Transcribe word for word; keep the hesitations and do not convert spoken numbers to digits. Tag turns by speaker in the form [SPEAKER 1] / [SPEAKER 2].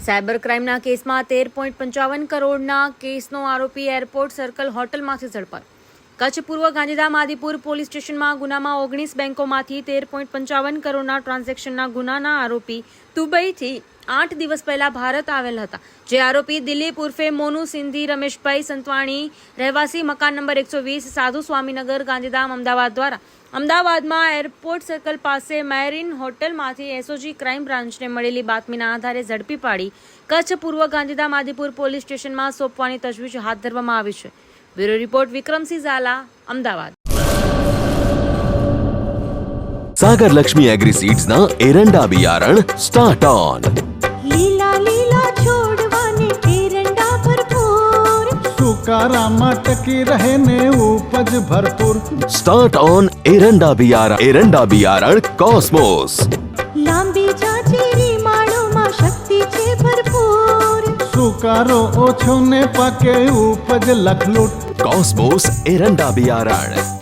[SPEAKER 1] Cyber ક્રાઇમના કેસમાં તેર point પંચાવન કરોડના કેસનો આરોપી એરપોર્ટ સર્કલ હોટલમાંથી ઝડપાયો. કચ્છ પૂર્વ ગાંધીધામ આદિપુર પોલીસ સ્ટેશનમાં ગુનામાં ઓગણીસ બેંકોમાંથી તેર પોઈન્ટ પંચાવન કરોડના ટ્રાન્ઝેક્શનના ગુનાના આરોપી દુબઈથી આઠ દિવસ પહેલા ભારત આવેલ હતા. જે આરોપી દિલીપ ઉર્ફે મોનુ સિંધી રમેશભાઈ સંતવાણી રહેવાસી મકાન નંબર એકસો વીસ સાધુ સ્વામીનગર ગાંધીધામ અમદાવાદ દ્વારા અમદાવાદમાં એરપોર્ટ સર્કલ પાસે મેરીન હોટલમાંથી એસઓજી ક્રાઇમ બ્રાન્ચને મળેલી બાતમીના આધારે ઝડપી પાડી કચ્છ પૂર્વ ગાંધીધામ આદિપુર પોલીસ સ્ટેશનમાં સોંપવાની તજવીજ હાથ ધરવામાં આવી છે. Bureau report Vikramsinh Jhala, Ahmedabad.
[SPEAKER 2] Sagar Lakshmi Agriseeds ना एरंडा बियारण स्टार्ट ऑन.
[SPEAKER 3] લીલા લીલા છોડવાને એરંડા ભરપૂર,
[SPEAKER 4] સુકારામાં ટકી રહે ને ઉપજ ભરપૂર.
[SPEAKER 2] स्टार्ट ऑन एरंडा बियारण एरंडा बियारण कॉस्मोस.
[SPEAKER 3] લાંબી જાચેરી માળોમાં શક્તિ છે ભરપૂર.
[SPEAKER 4] સુકારો ઓછો ને પાકે ઉપજ લખલૂટ.
[SPEAKER 2] कॉस्मोस एरंडा बियारण